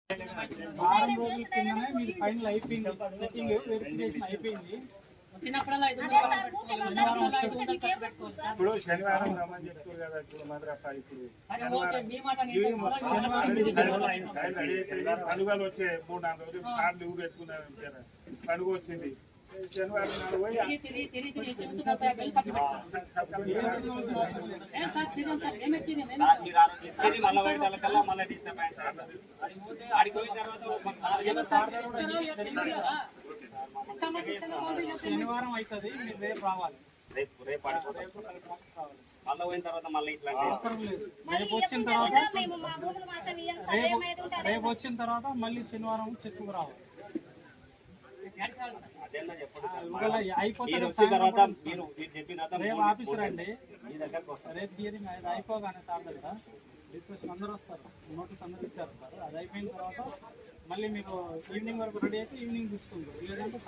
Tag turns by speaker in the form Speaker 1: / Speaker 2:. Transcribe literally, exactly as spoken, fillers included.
Speaker 1: వారం రోజుల కిందనే మీది ఫైనల్ అయిపోయింది, చెకింగ్ వెరిఫికేషన్ అయిపోయింది.
Speaker 2: ఇప్పుడు శనివారం రమ్మని చెప్తారు కదా, ఇప్పుడు మాత్రం ఇప్పుడు పండుగలు వచ్చే మూడు నాలుగు రోజులు సార్లు ఊరు పెట్టుకున్నారు కదా, పండుగ వచ్చింది శనివారం నాడు పోయి
Speaker 1: శనివారం అవుతుంది, మీరు రేపు రావాలి.
Speaker 3: రేపు రేపు మళ్ళీ పోయిన తర్వాత మళ్ళీ ఇట్లా
Speaker 1: అవసరం లేదు. రేపు వచ్చిన తర్వాత రేపు వచ్చిన తర్వాత మళ్ళీ శనివారం చెక్కు రావాలి. రేపు ఆఫీసర్ అండి, రేపు హియరింగ్ అయిపోగానే సార్ దగ్గర డిస్కషన్ అందరూ వస్తారు, నోటీస్ అందరూ ఇచ్చేస్తారు. అది అయిపోయిన తర్వాత మళ్ళీ మీకు ఈవినింగ్ వరకు రెడీ అయితే ఈవినింగ్ తీసుకుంటారు, లేదంటే